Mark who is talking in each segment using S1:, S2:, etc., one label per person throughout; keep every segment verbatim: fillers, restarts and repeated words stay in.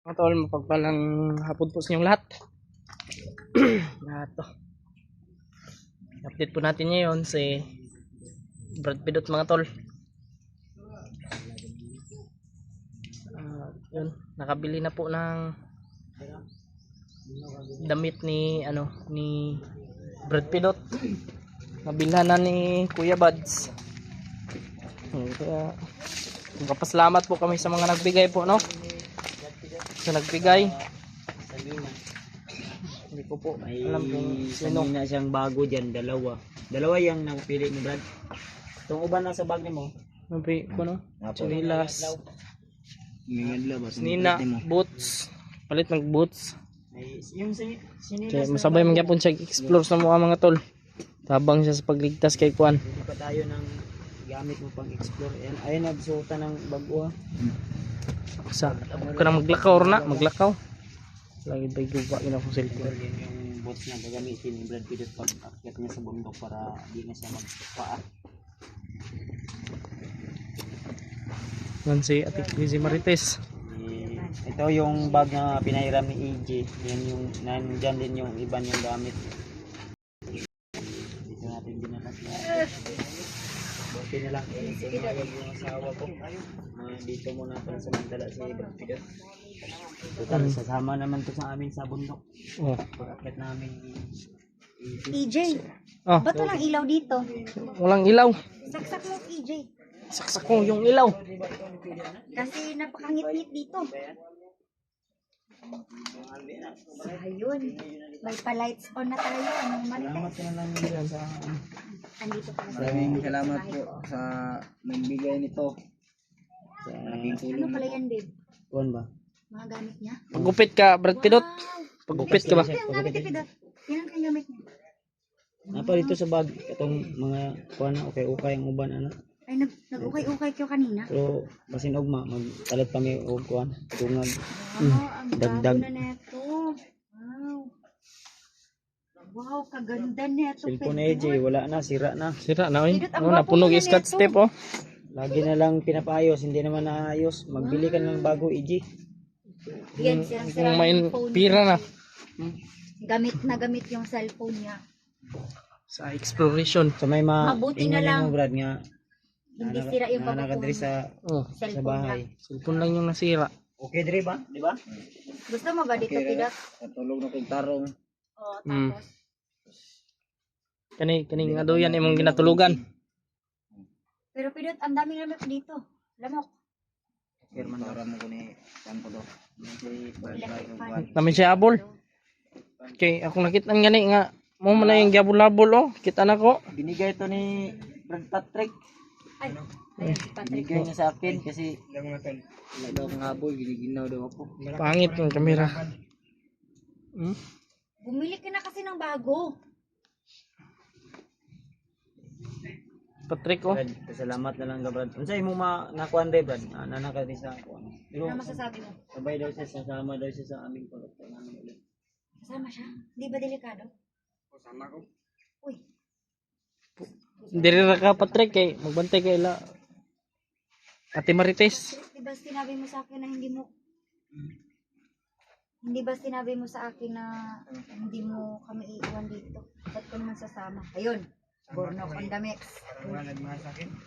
S1: Mga tol, mapagpalang hapon po sa inyong lahat. Lahat to. Update po natin ngayon si Brad Pidot mga tol. Uh, yun, nakabili na po ng damit ni ano ni Brad Pidot. Nabilhan na ni Kuya Buds. Kaya magpapasalamat po kami sa mga nagbigay po, no? Sa nagbigay. Hindi ko po
S2: May
S1: alam kung sino.
S2: na siyang bago dyan, dalawa. Dalawa yung napili ni Brad. Itong uban na sa bag ni mo.
S1: Nabi ko, no? Chinilas. Nina, boots. Palit ng boots.
S2: Ay, yung sin sinilas.
S1: Kaya masabay man gyapon siya explore sa mga mga tol. Tabang siya sa pagligtas kay Kuan.
S2: Hindi pa tayo ng gamit mo pang explore. Ayan, ayun nagsuota ng bago.
S1: Sa ako na maglakaw na, maglakaw. Lagi bay guba ina ko cellphone.
S2: Yun yung boots na gagamitin ni Brad Pitt pag akyat niya sa bundok para di na siya magpaa.
S1: Yan si Ate Lizzie Marites.
S2: Eh, ito yung bag na pinahiram ni E J. Yan yung nandyan din yung iba niyang gamit. Dito natin binakas na. Buti na lang eh, sumayag yung asawa ko. Uh, dito muna pala sa Mandala si Brad Pitt. Total,
S1: Mm.
S2: sasama naman to sa amin sa bundok.
S1: Oh.
S2: Pag-akyat namin
S3: E J,
S1: Ah,
S3: ba't walang ilaw dito?
S1: walang ilaw.
S3: Saksak mo, E J.
S1: Saksak ko yung ilaw.
S3: Kasi napakangit-ngit dito. Ayun. May pa-lights on na tayo. Anong
S2: Salamat
S3: marites?
S2: ka na lang yan sa
S3: Andito pa na sa
S4: Maraming salamat po sa nagbigay nito.
S2: sa
S3: Ano pala yan, babe?
S2: kuwan ba?
S3: Mga gamit niya?
S1: Pagupit ka, Brad Pidot.
S3: Wow!
S1: Pagupit ka ba?
S3: Ito yung gamit ni Pidot. Yan ang kanyang gamit niya.
S2: Napa dito sa bag itong mga kuwan na okay okay ang uban ano.
S3: Ay, nag nag-ukay-ukay kayo kanina.
S2: Pero basin ogma magtalat pa mi og kuwan tungag.
S3: Wow, ang
S2: Dagdag.
S3: bago na neto. Wow. Wow, kaganda neto.
S2: Cellphone ni E J wala na, sira na.
S1: Sira na oy.
S3: Pidot, ang
S1: Oh,
S3: gwapo
S1: napunog
S3: niya
S1: yung scotch
S3: nito.
S1: tape oh.
S2: Lagi na lang pinapaayos, hindi naman naayos. Magbili ka ng bago E J.
S3: Yan,
S1: Kung
S3: sirang-sira
S1: may
S3: yung phone
S1: pira
S3: niya.
S1: na
S3: Gamit na gamit yung cellphone niya.
S1: sa exploration.
S2: So may ma
S3: Mabuti
S2: ingon
S3: na lang.
S2: mo Brad nga
S3: Hindi sira yung
S2: na nakadiri
S3: papakuhan.
S2: sa
S1: Oh,
S2: sa
S3: Cellphone
S2: bahay.
S3: lang.
S1: cellphone lang yung nasira.
S2: Okay diri ba? Di ba?
S3: Gusto mo ba dito, Pidot?
S2: Katulog na kong tarong.
S3: Oo,
S1: Mm.
S3: tapos.
S1: Kani kani nga daw yan imong ginatulugan.
S3: Pero Pidot, ang daming lamok dito. Lamok.
S2: Kerman
S4: Para mo ko ni San Podo.
S3: Electric fan.
S1: Namin siya abol. Okay, ako nakita ng gani nga mo man na yung gabul-labol oh. Kita na ko.
S2: Binigay to ni Brad Patrick.
S3: Ay, ayun, si Patrick.
S2: Binigay niya sa akin kasi wala daw akong habol, giniginaw daw ako.
S1: Pangit yung kamera. Hmm?
S3: Bumili ka na kasi ng bago.
S1: Patrick oh.
S2: Brad, salamat na lang ka Brad. Unsay mo ma nakuan day Brad? Ah, nanaka din sa kuan. Pero
S3: Ano masasabi mo?
S2: sabay daw siya, sasama daw siya sa aming kolekta namin ulit.
S3: Kasama siya? Di ba delikado?
S4: Kasama ko.
S3: Uy,
S1: Diri ra ka Patrick kay magbantay kay la. Ate Marites.
S3: di ba sinabi mo sa akin na hindi mo... Hindi ba sinabi mo sa akin na hindi mo kami iiwan dito? Ba't ko naman sasama? Ayun, Bornok on the mix.
S4: Parang wala nagmahal sa akin.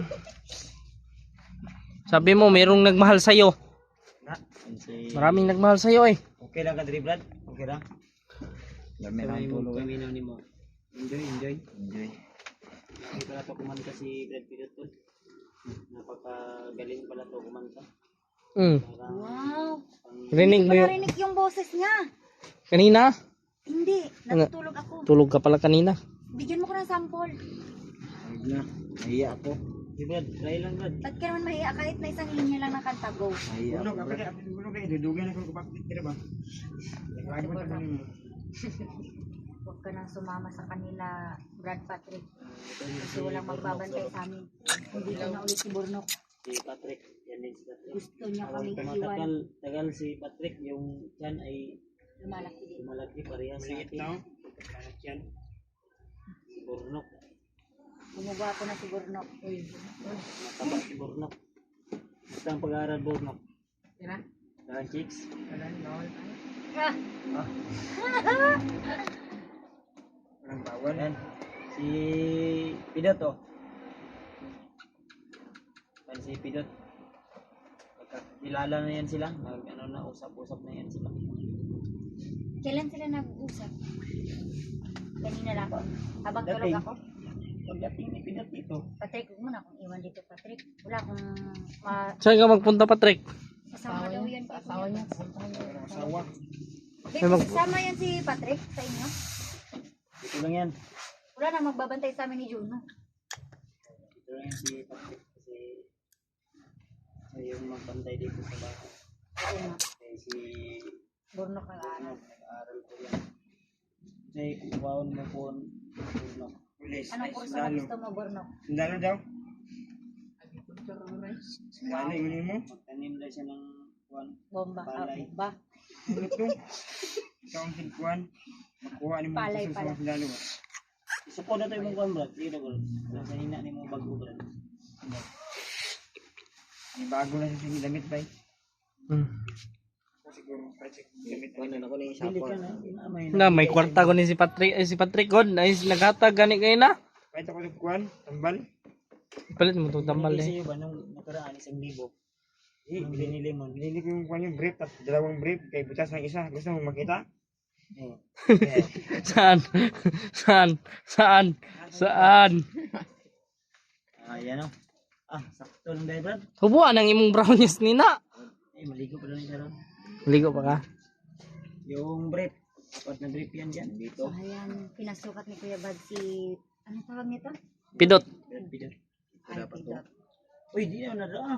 S1: Sabi mo merong nagmahal sa iyo.
S2: Na, si
S1: Maraming nagmahal sa iyo eh.
S2: okay lang ka diri Brad? Okay lang.
S4: Dami
S2: Kami
S4: lang
S2: mo
S4: tulog.
S2: kami na nimo. Enjoy, enjoy.
S4: Enjoy.
S2: Hindi pala to kumanta si Brad Pitt to. Napakagaling pala to kumanta.
S1: Mm.
S2: Parang
S3: Wow!
S1: Rinig mo
S3: Hindi ko
S1: yun.
S3: narinig yung boses niya.
S1: Kanina.
S3: Hindi, natutulog ako.
S1: Tulog ka pala kanina.
S3: Bigyan mo ko ng sample.
S2: Huwag na. Nahiya ako. Si Brad, try lang Brad.
S3: Ba't ka naman mahiya kahit na isang linya lang ng kanta, go.
S2: Nahiya
S4: Bulog,
S2: ako.
S4: apa dia? Bulog kayak dudugin ako kapag tira ba? Lagi mo tayo mo.
S3: Huwag ka nang sumama sa kanila, Brad Patrick. Kasi walang magbabantay sa amin. Hindi ko na ulit si Bornok.
S2: Si Patrick. Yan din si Patrick.
S3: Gusto niya
S2: Habang
S3: kaming
S2: tumatagal
S3: iwan.
S2: tagal si Patrick, yung tiyan ay
S3: Lumalaki din.
S2: lumalaki parehas sa
S4: Liit
S2: akin.
S4: na. Kalat yan.
S2: Si Bornok.
S3: Gumagawa ko na si Bornok. Uy.
S2: Mataba si Bornok. Basta ang pag-aaral Bornok.
S3: Tira?
S2: Dahan chicks.
S3: Ah,
S4: Walang bawal.
S2: Yan. Si Pidot oh. Yan si Pidot. Magkakilala na yan sila. Mag, ano na, usap-usap na yan sila.
S3: kailan sila nag-usap? Kanina lang. Habang tulog
S2: Dating.
S3: ako.
S2: Pagdating ni Pidot dito.
S3: Patrick, huwag mo na akong iwan dito, Patrick. Wala akong ma...
S1: Saan ka magpunta, Patrick?
S3: Kasama daw yan. Asawa niya.
S4: Walang asawa.
S3: Kasama yan si Patrick sa inyo.
S2: Dito lang yan.
S3: Wala na magbabantay sa amin ni Juno.
S2: Dito lang yan si Patrick. Kasi siya yung magpantay dito sa bahay.
S3: Oo nga.
S2: Kasi si
S3: Burno ka
S2: ano, nag-aaral ko yan. Kasi kubaon mo po. Ano,
S4: Pulis.
S3: Anong kurso na gusto mo, Burno?
S4: Sundalo daw. Ano yung mo?
S2: magtanim lang siya ng kuwan.
S3: Bomba. Ah,
S2: Palay.
S3: bomba.
S4: Ano to? Ikaw ang sinkuhan. Makuha ni mo
S3: Palay
S4: sa
S3: pala.
S4: sundalo.
S2: Isuko na to yung kuwan, brad. Sige na, brad. Nasa hina ni mo bago, brad.
S4: May bago na siya damit ba?
S1: Hmm.
S4: Siguro, Patrick, damit
S2: Kuwan na ako na yung Bili ka na. Inamay
S1: Na, may kwarta ko ni si Patrick, eh, si Patrick God, ay naghatag gani kayo na.
S4: Kahit ako nagkuhan, tambal.
S1: Palit mo itong tambal
S2: Binili
S1: eh.
S2: sa'yo ba nung nakaraan isang libo? Eh, binili mo.
S4: Binili ko yung kuhan yung brief, tapos dalawang brief, kay butas ng isa. Gusto mo makita?
S2: Eh,
S1: Saan? Saan? Saan? Saan?
S2: ayan o. Ah, sakto lang dahil, brad.
S1: Hubuan ang imong brownies ni na.
S2: Eh, maligo pa lang siya ron.
S1: Ligo pa ka?
S2: Yung brief. Apat na brief yan dyan. Dito.
S3: So, ayan, pinasukat ni Kuya Bad si... Ano tawag nito?
S1: Pidot.
S2: Brad, bidot. Ito
S3: Ay,
S2: dapat to.
S3: Pidot.
S2: Uy, di na nadaan.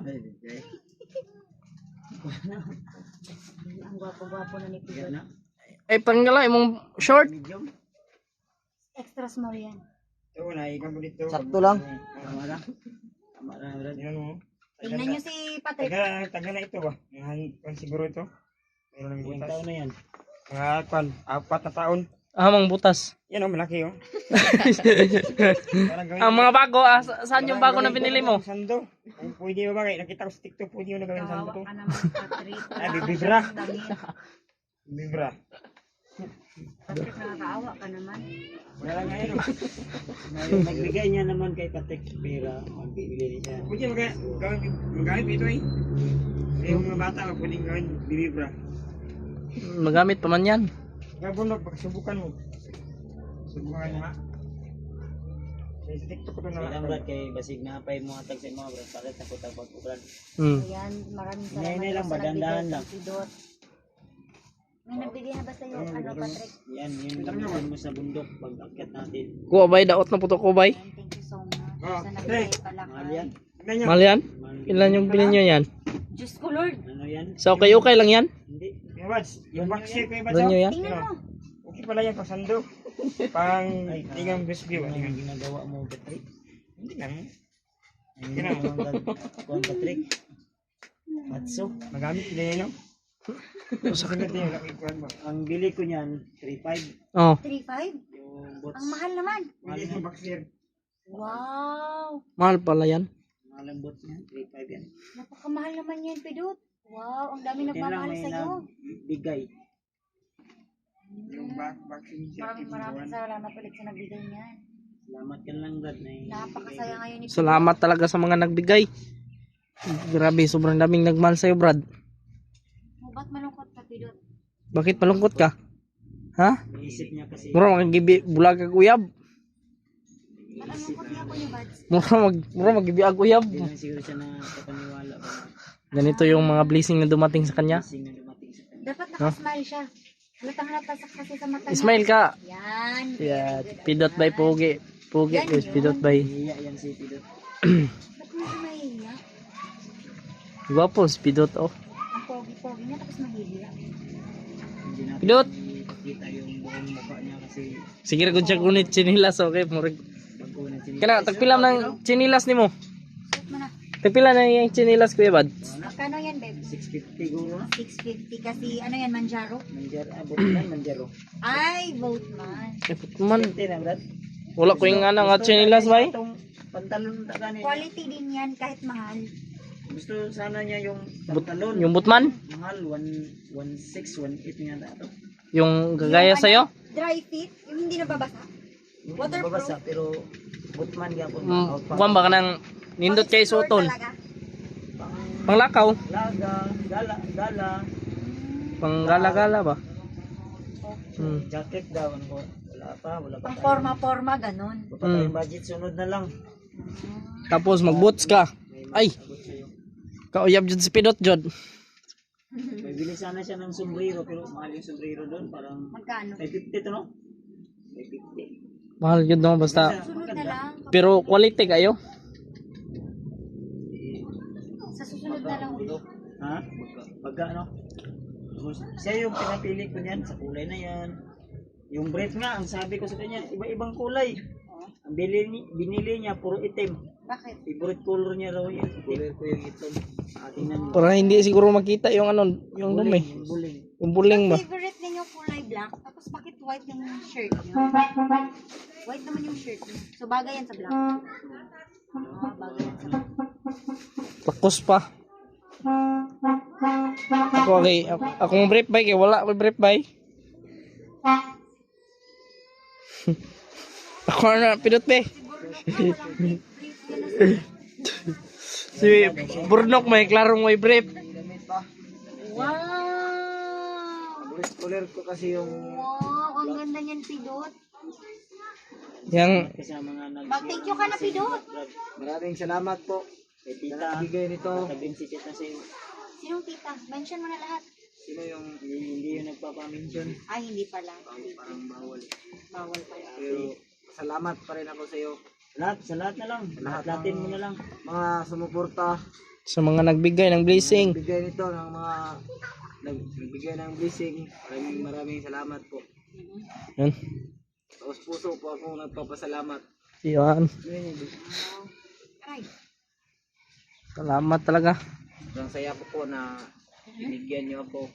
S3: Ang gwapo-gwapo na ni
S2: Yan
S3: Pidot.
S2: na.
S1: Ay, panggala imong short.
S2: Medium.
S3: Extra small yan.
S4: Ito, naikan ko dito.
S2: Sakto lang. Tama lang. Tama lang, brad.
S4: Yan mo.
S3: Tingnan nyo si Patrick.
S4: Taga, taga na ito ba? Yung kan siguro ito. Meron ng
S2: Ilang
S4: butas.
S2: taon na yan?
S4: Mga kwan, apat na taon.
S1: Amang butas.
S4: Yan o, malaki o. Parang gawin-
S1: Ang mga bago, ah, sa- saan yung bago
S4: parang
S1: na
S4: gawin
S1: binili
S4: ko
S1: mo?
S4: ng Sando. Kung pwede ba ba? Nakita ko sa TikTok, pwede mo na gawin sando
S3: Kawawa
S4: to.
S3: ka naman, Patrick.
S4: Ay, bibibra.
S3: Damit.
S4: Bibra.
S3: Patrick, nakakaawa ka naman.
S4: Wala lang ngayon o.
S2: Ngayon, nagbigay niya naman kay Patrick pera. Magbibili siya.
S4: Pwede mag gawin, magamit ito eh. Eh, yung mga bata, pwede gawin bibibra.
S1: Magamit pa man yan.
S4: Gabunok, pagsubukan mo. Subukan mo ha. Sa TikTok ko ito
S2: Kaya lang,
S4: na.
S2: brad, kay basig na apay mo atag sa mga brad. Palit na kutang pag brad.
S1: Hmm.
S3: Ayan, maraming
S2: Hinay-hinay
S3: salamat
S2: lang
S3: po
S2: ba?
S3: sa nagbigay
S2: Dandahan
S3: kay
S2: lang.
S3: Pidot. May nagbigay na ba sa'yo, ano, Patrick?
S2: Yan, yun gamitin mo sa bundok pag akyat natin.
S1: Kuha bay, daot na puto ko bay.
S3: Ayan, thank you so much.
S4: Oh,
S3: Sa nagbigay pala
S2: Mahal
S3: kay...
S2: yan.
S4: Tignan nyo.
S1: Mahal yan?
S2: Mahal.
S1: Ilan yung bilhin nyo yan?
S3: Diyos ko, Lord.
S2: Ano yan?
S1: So, okay, okay lang yan?
S2: Hindi.
S4: Yung buds, yung vaccine ko yung buds.
S1: Doon nyo
S4: oh.
S1: yan?
S3: Tingnan mo.
S4: Okay pala yan, pang sando. Pang
S2: Ay,
S4: tingang bisbee.
S2: Ano
S4: Ano
S2: yung ginagawa mo, Patrick?
S4: Hindi lang.
S2: Ay, hindi naman brad. Kuhan, Patrick. Matso.
S4: Magamit nila yan, no? Sa sunod na yun, laki kuhan mo.
S2: Ang bili ko niyan, three five.
S1: Oh,
S3: three five?
S2: Yung bots.
S3: Ang mahal naman.
S4: Hindi yung vaccine.
S3: Wow.
S1: mahal pala yan.
S2: Mahal ang bots niya, three five yan.
S3: Napakamahal naman yan, Pidot. Wow, ang dami
S2: Yan lang
S3: nagmamahal
S2: may
S3: sa'yo.
S2: nagbigay.
S4: Yung back, vaccine siya.
S3: Maraming maraming salamat ulit sa nagbigay niyan.
S2: Salamat ka lang, brad. Na
S3: Napakasaya ngayon ni Pidot.
S1: Salamat talaga sa mga nagbigay. Grabe, sobrang daming nagmahal sa'yo, Brad.
S3: Oh, ba't malungkot ka, Pidot?
S1: Bakit malungkot ka? Ha?
S2: Naisip niya kasi.
S1: Mura magibi bulag kag uyab.
S3: Ba't ang lungkot niya ko ni Bads?
S1: Mura mag mura magibi ag uyab.
S2: Hindi lang siguro siya nakapaniwala ba.
S1: Ganito yung mga blessing na dumating sa kanya.
S2: Kasing na dumating sa kanya.
S3: Dapat nakasmile siya. Halatang halata sa kasi sa mata niya.
S1: Smile ka.
S3: Yan.
S1: Yeah, pidot by pogi. Pogi
S3: Yan
S1: guys,
S3: yun.
S1: pidot by.
S2: Hiya yan si Pidot.
S3: Ba't mo siya mahihiya?
S1: Guwapo, si pidot oh.
S3: Ang pogi-pogi niya tapos mahihiya.
S2: Hindi natin
S1: Pidot.
S2: makita yung buong mukha niya kasi
S1: Sige ra gud siya kunit chinilas okay, murag.
S2: bago na siya.
S1: Kana tagpila ng chinilas nimo.
S3: Suot mo na.
S1: Tagpila na yung chinilas kuya Bad.
S3: Magkano yan, babe?
S2: six fifty guro na.
S3: six fifty kasi ano yan, Manjaro?
S2: Manjar, abot lang, manjaro.
S3: Ay, vote man.
S1: Eh, man,
S2: fifty na, brad.
S1: wala ko yung nga nga chinilas bay.
S2: Itong pantalon ta gani.
S3: Quality din yan kahit mahal.
S2: Gusto sana niya yung
S1: But,
S2: pantalon.
S1: yung Butman?
S2: Mahal, one, one six, one eight nga na ito.
S1: Yung gagaya
S3: Yung
S1: sa'yo?
S3: ano, dry fit, yung hindi nababasa.
S2: Yung
S3: Waterproof.
S2: babasa, pero Butman gapon.
S1: Mm,
S2: Out pa.
S1: kuwan ba ka ng nindot kay
S3: Pang-explore
S1: suton?
S3: talaga.
S2: Pang
S1: Panglakaw?
S2: laga, gala, gala.
S1: Pang gala-gala ba? Hmm.
S2: Jacket daw. Ano ko? Wala pa, wala pa.
S3: Pang
S2: tayo.
S3: forma-forma, ganun.
S2: Wala pa tayong
S1: Mm.
S2: budget, sunod na lang.
S1: Tapos mag-boots ka.
S2: May
S1: Ay!
S2: masagot sa'yo.
S1: Kauyab jud si Pidot jud.
S2: May bili sana siya ng sombrero, pero mahal yung sombrero doon. Parang
S3: Magkano?
S2: five fifty to, no? five fifty.
S1: Mahal jud no basta.
S3: Sunod na lang.
S1: Pero quality kayo.
S3: Sa susunod na lang ulit.
S2: Ha? Pagka ano? Siya yung pinapili ko niyan sa kulay na yan. Yung brief nga, ang sabi ko sa kanya, iba-ibang kulay. Ang bili, ni- binili niya, puro itim.
S3: Bakit?
S2: Favorite color niya raw yun. Color ko yung itim. Ating nan.
S1: Para hindi siguro makita yung ano, yung dumi.
S2: Yung buling.
S1: Yung buling ba?
S3: Favorite ninyo kulay black, tapos bakit white yung shirt niyo? White naman yung shirt niyo. So bagay yan sa black. Ah, bagay yan sa black.
S1: Lakos pa. Ako okay, ako, akong brief bike eh, wala akong brief bike. Ako na Pidot be. Si Burnok may klarong may brief.
S3: Wow!
S2: Favorite color ko kasi yung
S3: Wow! Ang ganda niyan, Pidot.
S1: Yang
S2: kasama nga nag...
S3: Mag-thank you ka na, Pidot.
S2: Maraming salamat po. Kay tita. Bigay nito. Sabihin si tita sa'yo.
S3: Sinong tita? Mention mo na lahat.
S2: Sino yung hindi, hindi yung nagpapamention?
S3: Ay, hindi pala.
S2: Parang bawal.
S3: Bawal pala.
S2: Pero salamat pa rin ako sa iyo. Lahat, sa lahat na lang. Lahat natin mo na lang. Mga sumuporta.
S1: sa mga nagbigay ng blessing.
S2: Nagbigay nito ng mga nag- nagbigay ng blessing. Maraming maraming salamat po.
S1: Yan.
S2: Taos puso po ako nagpapasalamat.
S1: Yan.
S3: Ay,
S1: Salamat talaga.
S2: Sobrang saya po po na binigyan niyo ako.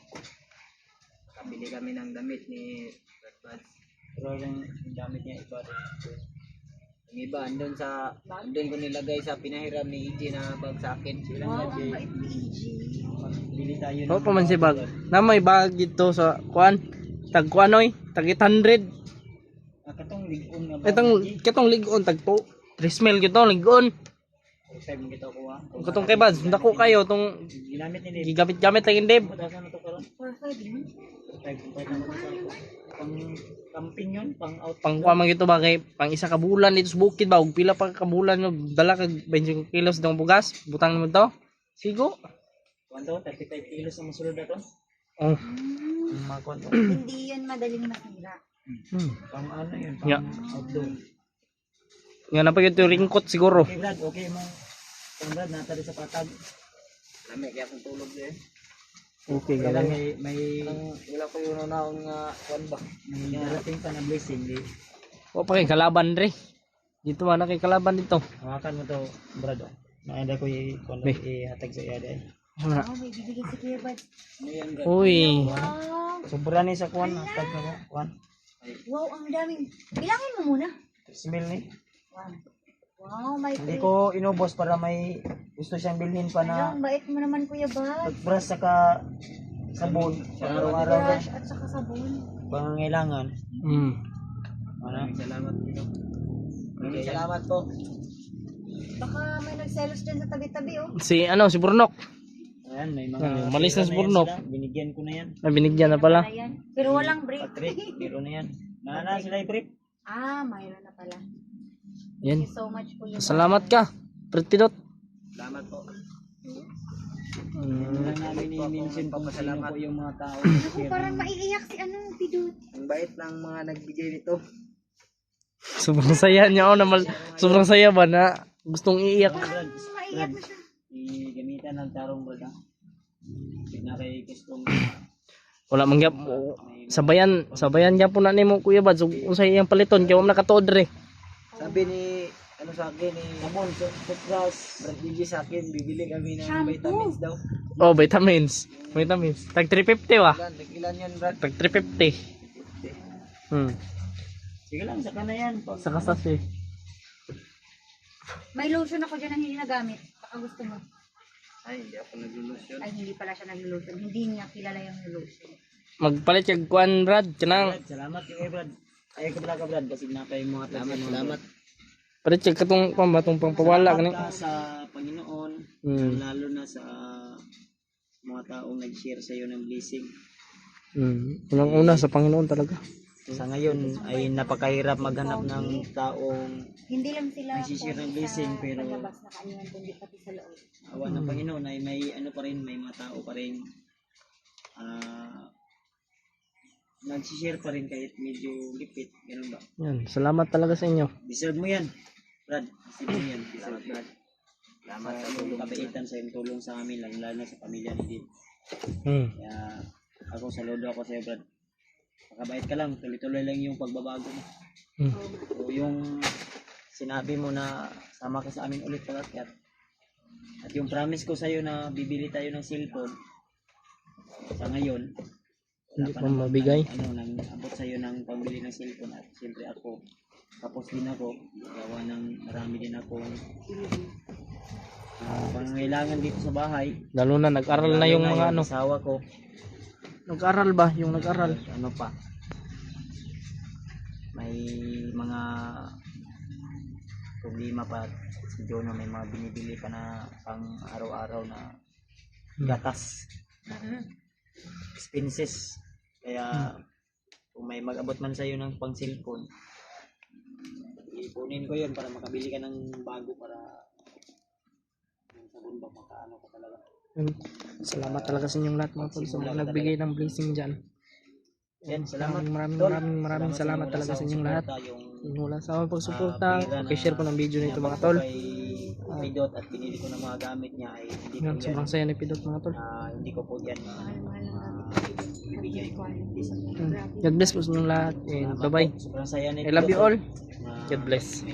S2: Kabili kami ng damit ni Brad Buds. Pero yung yung damit niya iba rin. Yung iba, andun sa, andun ko nilagay sa pinahiram ni E J na bag sa akin. Silang
S3: wow,
S2: budget.
S3: ang bait ni E G.
S2: Bili tayo
S1: O pa man si bag. Na may bag dito sa kuan. Tag kuanoy, tag eight hundred.
S2: Ah, katong ligon nga ba?
S1: Itong katong ligon tag po. three mil gito ligon.
S2: First time kita ko ah.
S1: Katong kay Bads, dako kayo tong
S2: Ginamit ni Dave.
S1: gigamit-gamit lang yung Deb.
S2: Matasan na to karon.
S3: For five yun.
S2: Five five na to sa ako. Pang camping yun, pang out.
S1: Pang kuan man gito ba kay pang isa ka bulan dito sa bukid ba ug pila pa ka bulan no dala kag twenty kilos dong bugas. Butang mo to. Sigo.
S2: Kwanto, thirty-five kilos ang masulod na to.
S1: Oh.
S2: Ang mga kwanto.
S3: Hindi yun madaling masira.
S1: Hmm.
S2: Pang ano yun, pang
S1: Yeah.
S2: outdoor.
S1: Nga na pa yung ringkot siguro.
S2: Okay Brad, okay mo. Pang Brad, natali sa patag. Lamig kaya akong tulog din.
S1: Okay,
S2: Kaya lang
S1: galing.
S2: may, may, wala ko yung naon nga kwan ba. May darating pa na blessing. Di.
S1: O pa kay kalaban re. Dito man na kay kalaban dito.
S2: Hawakan mo to, Brad. Oh. Naanda ko i-kwan
S1: May.
S2: i-hatag sa iya dahil.
S1: Wala.
S3: Oh, may bibigay si Kuya Bad.
S2: Ayan, Brad.
S1: Uy.
S3: Wow!
S2: Sobra ni sa kwan, hatag na ko. Kwan.
S3: Wow, ang daming. Bilangin mo muna.
S2: Smell ni.
S3: Wow. Wow, may
S2: Hindi
S3: free.
S2: ko inubos para may gusto siyang bilhin pa
S3: Ano,
S2: na
S3: ang bait mo naman, Kuya Bad.
S2: toothbrush saka sabon sa araw-araw na
S3: Brush at saka sabon.
S2: pangangailangan.
S1: Mm.
S2: Maraming salamat dito. Maraming salamat po.
S3: Baka may nagselos dyan sa tabi-tabi, oh.
S1: Si ano si Burnok.
S2: Ayan, may mga
S1: Ay, umalis na
S2: pera
S1: si
S2: yan
S1: Burnok.
S2: sila. Binigyan ko na yan.
S1: Na binigyan na pala.
S3: Ayan. Pero walang break.
S2: Patrick, biro na yan. Nana sila i-brief.
S3: Ah, mayroon na pala.
S1: Yan.
S3: Thank you so much, Kuya Bad.
S1: Salamat ka. Pidot.
S2: Salamat po.
S1: Mm.
S2: Lang namin i-mention kung sino po yung mga tao.
S3: Ako, parang maiiyak si ano, Pidot.
S2: Ang bait ng mga nagbigay nito.
S1: Sobrang saya niya oh, na mal- sobrang saya ba na gustong iiyak.
S2: Brad,
S3: Gusto maiiyak na siya.
S2: i-gamitan ng tarong brad ha. Tignan kay custom.
S1: Wala man gyap sabayan sabayan gyapon na nimo Kuya Bad so unsay iyang paliton kay wala nakatuod re.
S2: Sabi ni ano sa akin ni Sabon, toothbrush, Brad Gigi sa akin, bibili kami ng
S3: Shampoo.
S2: vitamins daw.
S1: Oh, vitamins. Vitamins. Tag three fifty wa.
S2: Ilan, ilan yan Brad?
S1: Tag three fifty. Hmm.
S2: Sige lang, saka na yan. Pag-
S1: Sa kasas eh.
S3: May lotion ako dyan na hindi nagamit. Baka gusto mo.
S2: Ay, hindi ako naglulusyon.
S3: Ay, hindi pala siya naglulusyon. Hindi niya kilala yung lulusyon.
S1: Magpalit kag kuan Brad kanang
S2: Brad, salamat yung eh, Brad. Ay, ko pala ka, Brad, kasi napay mga salamat, salamat.
S1: palit kag katong pambatong pangpawala kani.
S2: Salamat ka sa Panginoon,
S1: Hmm.
S2: lalo na sa mga taong nag-share sa iyo ng blessing.
S1: Hmm. Unang-una sa Panginoon talaga.
S2: Sa ngayon ay napakahirap maghanap ng taong
S3: Hindi lang sila
S2: nagsishare ng
S3: pogi
S2: blessing,
S3: sa
S2: pero
S3: palabas na kaniyan, kundi pati sa loob.
S2: awa ng Panginoon ay may ano pa rin, may mga tao pa rin ah nagsishare pa rin kahit medyo lipit, ganun ba?
S1: Yan, salamat talaga sa inyo.
S2: Deserve mo yan, Brad. Deserve mo yan. Deserve, Brad. Salamat sa tulong kabaitan sa iyong tulong sa amin, lalo lalo na sa pamilya ni Din.
S1: Hmm.
S2: Kaya ako, saludo ako sa iyo, Brad. Makabait ka lang, tuloy-tuloy lang yung pagbabago mo.
S1: Hmm.
S2: O yung sinabi mo na sama ka sa amin ulit pag-akyat. At yung promise ko sa iyo na bibili tayo ng cellphone sa ngayon,
S1: Hindi
S2: pa
S1: pa
S2: naman
S1: mabigay.
S2: ng- ano, nang abot sa iyo ng pambili ng cellphone at siyempre ako, tapos din ako, gawa ng marami din akong ah, pangangailangan dito sa bahay.
S1: Lalo na nag-aral na
S2: Lalo
S1: yung mga ano.
S2: asawa ko,
S1: Nag-aral ba? Yung nag-aral.
S2: ano pa, may mga problema pa si Jono, may mga binibili pa na pang araw-araw na gatas, expenses. Kaya kung may mag-abot man sa iyo ng pang cellphone, ipunin ko yun para makabili ka ng bago, para yung sabon ba makaano ka talaga.
S1: Yan. Salamat talaga sa inyong lahat mga tol sa mga nagbigay ng blessing dyan.
S2: Yan, salamat.
S1: Maraming maraming
S2: Tol.
S1: maraming maraming salamat
S2: mula
S1: talaga sa inyong
S2: suporta,
S1: lahat.
S2: Yung
S1: Yung wala sa aming pagsuporta.
S2: Ah, pera na
S1: Okay, share po ng video nito mga tol.
S2: kay kay Dot at pinili ko ng mga gamit niya ay hindi ko
S1: Yan,
S2: yan,
S1: sobrang saya ni Pidot mga tol.
S2: ah, hindi ko po yan
S3: Mahal-mahal lang namin.
S2: uh, ibigay ko.
S1: Hmm. God bless po sa inyong lahat. And bye bye.
S2: Sobrang saya nito.
S1: I love you all.
S2: Na
S1: God bless.